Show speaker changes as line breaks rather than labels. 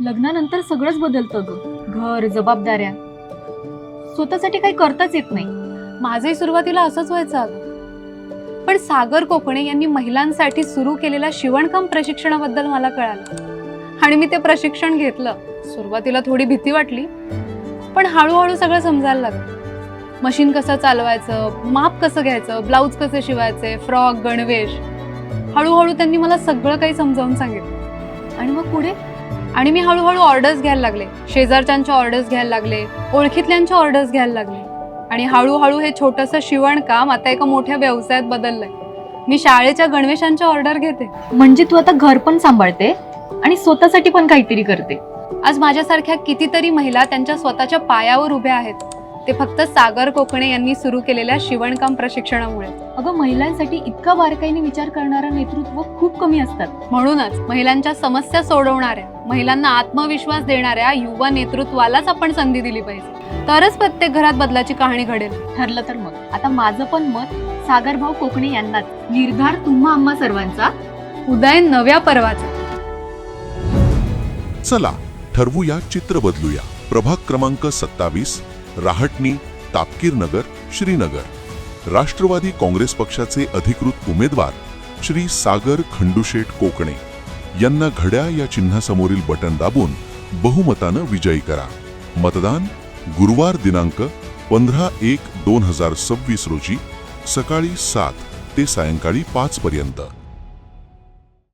लग्नानंतर सगळंच बदलतं ग. घर, जबाबदाऱ्या, स्वतःसाठी काही करताच येत नाही.
माझंही सुरुवातीला असंच व्हायचं अगं. पण सागर कोकणे यांनी महिलांसाठी सुरू केलेल्या शिवणकाम प्रशिक्षणाबद्दल मला कळालं आणि मी ते प्रशिक्षण घेतलं. सुरुवातीला थोडी भीती वाटली, पण हळूहळू सगळं समजायला लागलं. मशीन कसं चालवायचं, माप कसं घ्यायचं, ब्लाऊज कसे शिवायचे, फ्रॉक, गणवेश. हळूहळू त्यांनी मला सगळं काही समजावून सांगितलं.
आणि मग पुढे?
आणि मी हळूहळू ऑर्डर्स घ्यायला लागले. शेजारच्यांच्या ऑर्डर्स घ्यायला लागले, ओळखीतल्यांच्या ऑर्डर्स घ्यायला लागले. आणि हळूहळू हे छोटंसं शिवणकाम आता एका मोठ्या व्यवसायात बदललंय. मी शाळेच्या गणवेशांच्या ऑर्डर घेते.
म्हणजे तू आता घर पण सांभाळते आणि स्वतःसाठी पण काहीतरी करते.
आज माझ्यासारख्या कितीतरी महिला त्यांच्या स्वतःच्या पायावर उभ्या आहेत, ते फक्त सागर कोकणे यांनी सुरू केलेल्या शिवणकाम प्रशिक्षणामुळे.
अगं, महिलांसाठी इतका बारकाईने विचार करणारं नेतृत्व खूप कमी असतात.
म्हणूनच महिलांच्या समस्या सोडवणाऱ्या, महिलांना आत्मविश्वास देणाऱ्या युवा नेतृत्वालाच आपण संधी दिली पाहिजे. तरच प्रत्येक घरात बदलाची कहाणी घडेल.
ठरलं तर मग आता माझं पण मत सागरभाऊ कोकणे यांनाच. निर्धार तुम्हा आम्हा सर्वांचा,
उदय नव्या पर्वाचा.
चला ठरवूया, चित्र बदलूया. प्रभाग क्रमांक 27, राहटणी, तापकीर नगर, श्रीनगर. राष्ट्रवादी काँग्रेस पक्षाचे अधिकृत उमेदवार श्री सागर खंडूशेठ कोकणे यांना घड्याळ या चिन्हासमोरील बटन दाबून बहुमतानं विजयी करा. मतदान गुरुवार दिनांक 15/1/2026 रोजी सकाळी 7 ते सायंकाळी 5 पर्यंत.